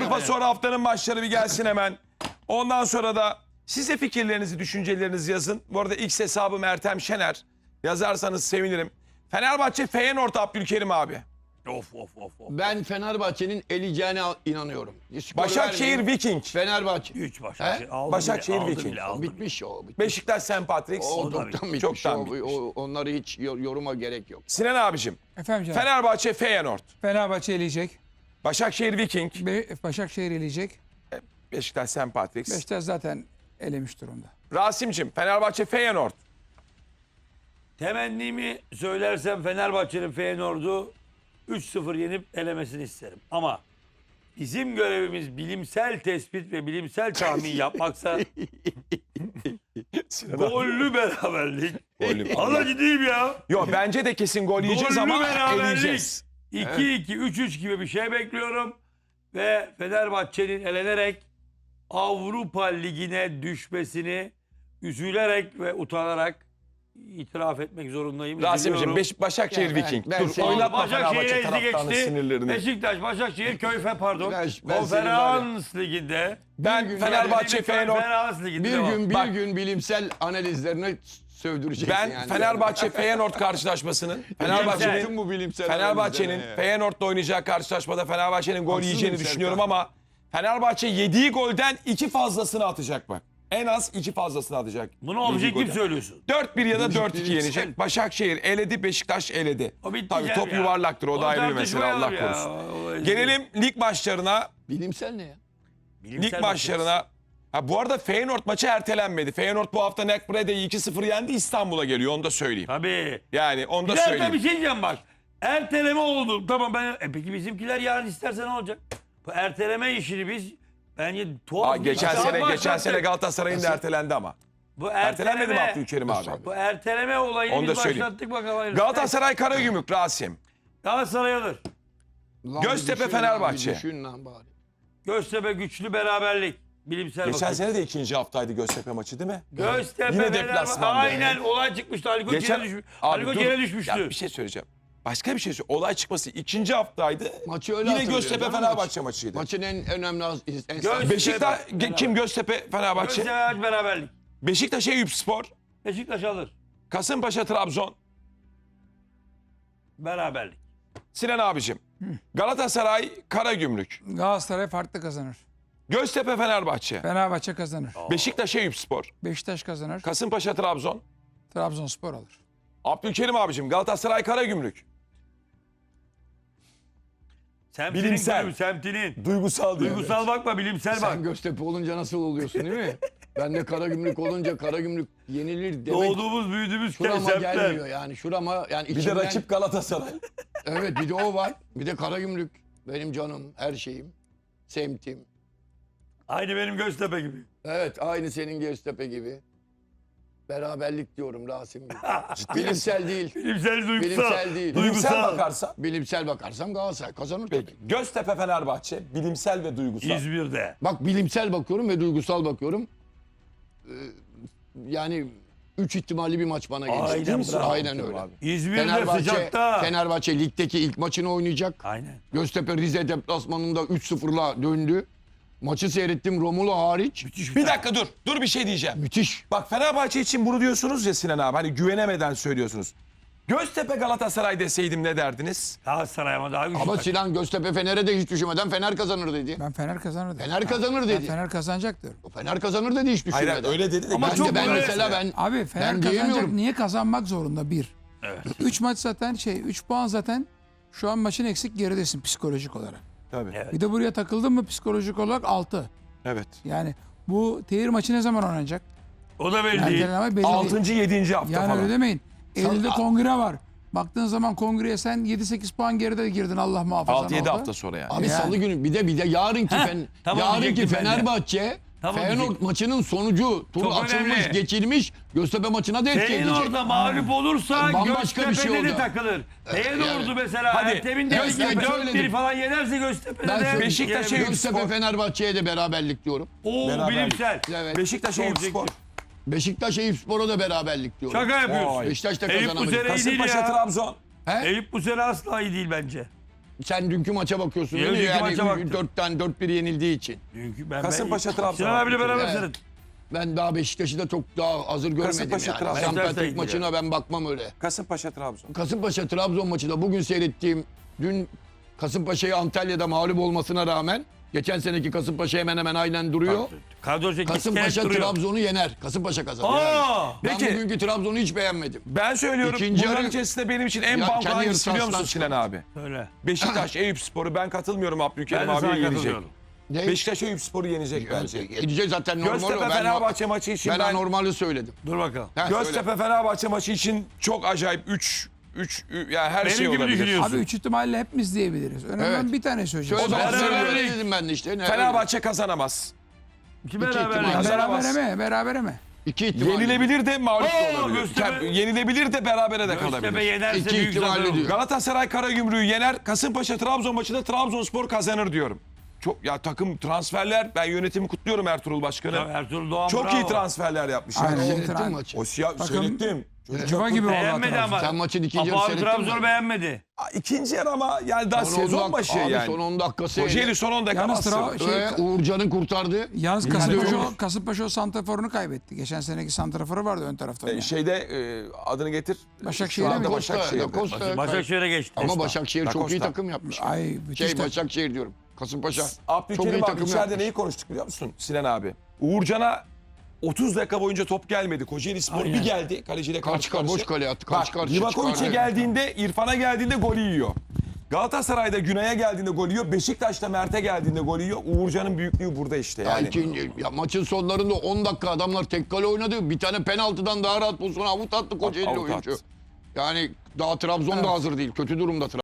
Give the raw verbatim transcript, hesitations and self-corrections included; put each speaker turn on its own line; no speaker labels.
tarafa sonra haftanın maçları bir gelsin hemen. Ondan sonra da siz de fikirlerinizi, düşüncelerinizi yazın. Bu arada X hesabım Ertem Şener. Yazarsanız sevinirim. Fenerbahçe Feyenoord Abdülkerim abi.
Of of of. of.
Ben Fenerbahçe'nin eleyeceğine inanıyorum. Skor
Başakşehir
vermeyeyim.
Viking.
Fenerbahçe.
üç Başakşehir.
He?
Aldı
Başakşehir
bile, aldı
Viking.
bile, aldı
Bitmiş o. Bitmiş.
Beşiktaş Saint Patrick's.
O
da
çoktan bitmiş.
Çoktan
o,
bitmiş.
o- onları hiç yor- yoruma gerek yok.
Sinan abicim.
Efendim canım.
Fenerbahçe Feyenoord.
Fenerbahçe eleyecek.
Başakşehir Viking.
Be Başakşehir eleyecek.
Beşiktaş Saint Patrick's.
Beşiktaş zaten elemiş durumda.
Rasim'cim Fenerbahçe Feyenoord.
Temennimi söylersem Fenerbahçe'nin Feyenoord'u üç sıfır yenip elemesini isterim. Ama bizim görevimiz bilimsel tespit ve bilimsel tahmin yapmaksa gollü beraberlik.
Gollü-
Allah ciddiyim ya.
Yo bence de kesin gol yiyeceğiz
Gollü
ama
beraberlik.
eleyeceğiz.
iki iki, üç üç gibi bir şey bekliyorum. Ve Fenerbahçe'nin elenerek Avrupa Ligi'ne düşmesini üzülerek ve utanarak itiraf etmek zorundayım.
Rasim'cim
Üzülüyorum.
Beş Başakşehir
Ya ben-
Viking.
ben
Dur
seni-
oynatma Fenerbahçe
Başakşehir'e
taraftarının
ezdi
sinirlerini.
geçti. Beşiktaş, Başakşehir, Köyfe pardon.
Ben- ben
Konferans Ligi'nde.
Ben
Bir gün-
Fenerbahçe
Yani
Feyenoord.
Konferans Ligi'nde
Bir
devam.
gün bir
Bak.
gün bilimsel analizlerini sövdüreceksin
Ben
yani.
Fenerbahçe Feyenoord karşılaşmasının Fenerbahçe'nin
Bütün bu bilimsel
Fenerbahçe'nin
analizlerine ya.
Feyenoord'la oynayacağı karşılaşmada Fenerbahçe'nin gol
Haksız
yiyeceğini
mıyım
düşünüyorum
Serkan?
ama Fenerbahçe yediği golden iki fazlasını atacak bak. En az iki fazlasını atacak.
Bunu
Yediği
objektif
golden.
söylüyorsun.
dört bir ya da
Bilimsel.
dört iki yenecek. Başakşehir eledi, Beşiktaş eledi.
O bitti
Tabii
canım
top
ya.
yuvarlaktır. O, da ayrı bir mesele Allah
tartışmayalım ya.
korusun.
O-
Gelelim lig maçlarına.
Bilimsel ne ya?
Bilimsel
Lig maçlarına. Ha, bu arada Feyenoord maçı ertelenmedi. Feyenoord bu hafta Nekbre'de iki sıfır yendi. İstanbul'a geliyor. Onu da söyleyeyim.
Tabii.
Yani onu da
Bir dakika
söyleyeyim.
bir şey diyeceğim bak. Erteleme oldu. Tamam ben. E peki bizimkiler yarın isterse ne olacak? Bu erteleme işini biz bence tuhaf.
Aa,
bir
geçen
saat
sene geçen
başlattık.
sene Galatasaray'ın da ertelendi ama.
Bu
Ertelenmedi mi
erteleme-
Abdülkerim abi?
Bu erteleme olayını
Onu da
biz
söyleyeyim.
başlattık bakalım. hayırlısı.
Galatasaray Karagümrük Rasim.
Galatasaray alır.
Lan
Göztepe,
bir düşün lan,
Fenerbahçe.
bir düşün lan bari.
Göztepe güçlü beraberlik. Bilimsel
Geçen
bakın.
sene de ikinci haftaydı Göztepe maçı değil mi?
Göztepe
Yine
Fenerbahçe-
deplasmanda.
Aynen olay çıkmıştı. Ali Koç
Geçen
yere, düşmüş.
Abi
Ali Koç
dur.
yere düşmüştü.
Ya bir şey söyleyeceğim. Başka bir şey söyle. Olay çıkması ikinci haftaydı.
Maçı öyle
Yine
hatırlıyorum,
Göztepe
değil mi?
Fenerbahçe maçıydı.
Maçın en önemli az- en
Göz-
Beşiktaş
Fenerbahçe.
kim Göztepe Fenerbahçe?
Göztepe beraberlik.
Beşiktaş Eyüpspor,
Beşiktaş alır.
Kasımpaşa Trabzon.
Beraberlik.
Sinan abicim. Galatasaray Karagümrük.
Galatasaray farklı kazanır.
Göztepe Fenerbahçe.
Fenerbahçe kazanır.
Beşiktaş Eyüpspor.
Beşiktaş kazanır.
Kasımpaşa Trabzon.
Trabzonspor alır.
Abdülkerim abicim Galatasaray Karagümrük.
Semtinin
Bilimsel.
kulübü, semtinin.
Duygusal diyor.
Duygusal bakma bilimsel bak.
Sen Göztepe olunca nasıl oluyorsun değil mi? Ben de Karagümrük olunca Karagümrük yenilir demek
Doğduğumuz büyüdüğümüz
şurama
semtler.
gelmiyor yani. Şurama yani
Bir de
içimden...
rakip Galatasaray.
Evet bir de o var. Bir de Karagümrük. Benim canım, her şeyim. Semtim.
Aynı benim Göztepe gibi.
Evet aynı senin Göztepe gibi. Beraberlik diyorum Rasim gibi. Bilimsel değil.
Bilimsel duygusal.
Bilimsel değil.
Bilimsel
Duygusal.
bakarsan.
Bilimsel bakarsam Galatasaray kazanır tabii.
Peki. Göztepe Fenerbahçe bilimsel ve duygusal.
İzmir'de.
Bak bilimsel bakıyorum ve duygusal bakıyorum. Ee, yani üç ihtimalli bir maç bana gelecek.
Aynen,
Değil misin?
bravo.
Aynen öyle.
Abi.
İzmir'de
Fenerbahçe,
sıcakta.
Fenerbahçe ligdeki ilk maçını oynayacak.
Aynen.
Göztepe Rize deplasmanında üç sıfırla döndü. Maçı seyrettim Romulo hariç.
Müthiş
Bir dakika dur. Dur bir şey diyeceğim.
Müthiş.
Bak Fenerbahçe için bunu diyorsunuz ya Sinan abi. Hani güvenemeden söylüyorsunuz. Göztepe Galatasaray deseydim ne derdiniz?
Galatasaray ama daha güçlü.
Ama
takım.
Sinan Göztepe Fener'e de hiç düşünmeden Fener kazanır dedi.
Ben Fener kazanır dedim.
Fener kazanır
Ben
dedi.
Fener kazanacak diyorum.
Fener kazanır dedi hiç
Hayır
düşünmeden.
hayır, öyle dedi de.
Ama
Ben
çok
de ben
böyle-
mesela ben
Abi Fener
ben
kazanacak.
diyemiyorum.
Niye kazanmak zorunda? Bir.
Evet.
Üç maç zaten şey, üç puan zaten şu an maçın eksik geridesin psikolojik olarak.
Tabii.
Evet.
Bir de buraya takıldın mı psikolojik olarak altı.
Evet.
Yani bu tehir maçı ne zaman oynanacak?
O da belli değil.
Erteleme belli değil.
Altıncı yedinci hafta
Yani
falan.
öyle demeyin. Eylül'de
Sen-
kongre var. Baktığın zaman kongreye sen yedi sekiz puan geride girdin Allah muhafaza.
altı yedi hafta sonra yani.
Abi
Yani.
salı günü bir de bir de yarınki
Heh,
fen,
tamam
yarınki
diyecektim ben de.
Fenerbahçe
Tamam
Feyenoord
diyecektim.
maçının sonucu turu
Çok
açılmış,
önemli.
geçilmiş. Göztepe maçına da etki edecek.
Feyenoord'a mağlup olursa
Bambaşka bir
Göztepe'de
şey
de
oldu.
takılır. Feyenoord'u mesela
Hadi,
Ertem'in de
Göztepe
dört bir
söyledim.
falan yenerse Göztepe'de
Ben
de
söyledim.
Beşiktaş'a
yenebilir.
yüksek-
Göztepe Fenerbahçe'ye de beraberlik diyorum.
Oo
Beraberlik.
bilimsel.
Evet.
Beşiktaş Eyüpspor.
Beşiktaş Eyüpspor'a da beraberlik diyorum.
Şaka yapıyorsun.
Vay.
Beşiktaş da
Eyüp bu
kazanamayacak.
sene iyi değil
Kasımpaşa
ya.
Trabzon.
He?
Eyüp bu sene asla iyi değil bence.
sen dünkü maça bakıyorsun
Evet,
değil mi?
dünkü maça baktım.
Yani dörtten dört bir yenildiği için.
Dünkü ben,
Kasımpaşa,
ben,
Trabzon.
Sinan abiyle beraber
Evet.
seyret.
Ben daha Beşiktaş'ı da çok daha hazır görmedim
Kasımpaşa,
yani.
Trabzon.
St.
Beşiktaş da
Patrick
ilgili.
maçına ben bakmam öyle.
Kasımpaşa Trabzon.
Kasımpaşa Trabzon maçında bugün seyrettiğim, dün Kasımpaşa'yı Antalya'da mağlup olmasına rağmen geçen seneki Kasımpaşa hemen hemen aynen duruyor.
Kadro çekik
Kasımpaşa
duruyor.
Trabzon'u yener. Kasımpaşa kazanır.
Aa!
Yani. Ben
Peki.
bugünkü Trabzon'u hiç beğenmedim.
Ben söylüyorum.
İkinci
Bunların
yarı-
içerisinde benim için en
Ya
banko
kendi
hangisi biliyor musun
yarısı
Sinan abi?
Öyle.
Beşiktaş, Eyüpspor'u ben katılmıyorum Abdülkerim
Ben de sana
abiye yenecek.
katılıyorum.
Ne?
Beşiktaş Eyüpspor'u yenecek bence.
Edecek zaten normal o.
Göztepe
Ben,
Fenerbahçe maçı için
ben,
ben,
anormali söyledim.
Dur bakalım.
Ha, söyle.
Göztepe Fenerbahçe maçı için çok acayip üç üç yani her
Benim
şey
gibi
olabilir.
düşünüyorsun.
Abi üç ihtimalle hepimiz diyebiliriz. Önemli
Evet.
bir tane söyleyeceğim.
Söyle
O zaman
bana,
beraberlik.
öyle dedim ben de işte. Ne,
Fenerbahçe kazanamaz.
İki
İki
beraber.
ihtimal.
Kazanamaz.
Berabere mi? Berabere mi?
İki ihtimal.
Yenilebilir de mağlup
Oo,
da olabilir.
Göztepe-
Tabii, Yenilebilir de berabere de
Göztepe
kalabilir.
yenerse
İki
büyük
ihtimalle
zafer olur.
diyor.
Galatasaray Karagümrük'ü yener. Kasımpaşa Trabzon maçında Trabzonspor kazanır diyorum. Çok ya takım transferler ben yönetimi kutluyorum Ertuğrul Başkanı.
Ertuğrul Doğan
Çok
bravo.
iyi transferler yapmış.
Aynen.
Yani.
Seyrettin
Trabzon.
maçı.
O siyah
Takım-
seyrettim. Çocuk
Cuma
çok-
gibi oldu
Beğenmedi
Trabzon.
ama.
Sen maçın ikinci
Apo
yarı
abi
seyrettin
Trabzon'u
mi?
beğenmedi.
İkinci yarı ama yani daha
Son on
sezon
dak-
başı
abi
yani.
son on dakikası.
Kocaeli son on dakika
Yalnız
bastı.
Tra- şey,
Ve Uğurcan'ın kurtardı.
Yalnız
Yüzde
Kasımpaşa,
yüz.
Kasımpaşa o santraforunu kaybetti. Geçen seneki santraforu vardı ön tarafta.
E,
oynayan.
şeyde e, adını getir.
Başakşehir'e
Şu anda
mi?
Costa,
Başakşehir'de.
Da Costa.
Başakşehir'e geçti.
Ama Başakşehir
Da
çok iyi
Costa.
takım yapmış.
Ay müthiş
Şey
takım.
Başakşehir diyorum. Kasımpaşa çok iyi
Abdülkerim abi
takım
içeride
yapmış.
neyi konuştuk biliyor musun Sinan abi? Uğurcan'a otuz dakika boyunca top gelmedi. Kocaeli Spor bir geldi. Kaleciyle karşı
Kaç ka-
karşı.
boş kale attı. Kaç
Bak
karşı
Livakovic'e
çıkardı.
geldiğinde, İrfan'a geldiğinde golü yiyor. Galatasaray'da Güney'e geldiğinde gol yiyor. Beşiktaş'ta Mert'e geldiğinde gol yiyor. Uğurcan'ın büyüklüğü burada işte
Ya
yani.
ikinci- ya maçın sonlarında on dakika adamlar tek kale oynadı. Bir tane penaltıdan daha rahat pozisyona avut attı Kocaeli
Avut
oyuncu.
attı.
Yani daha Trabzon da hazır değil. Kötü durumda Trabzon.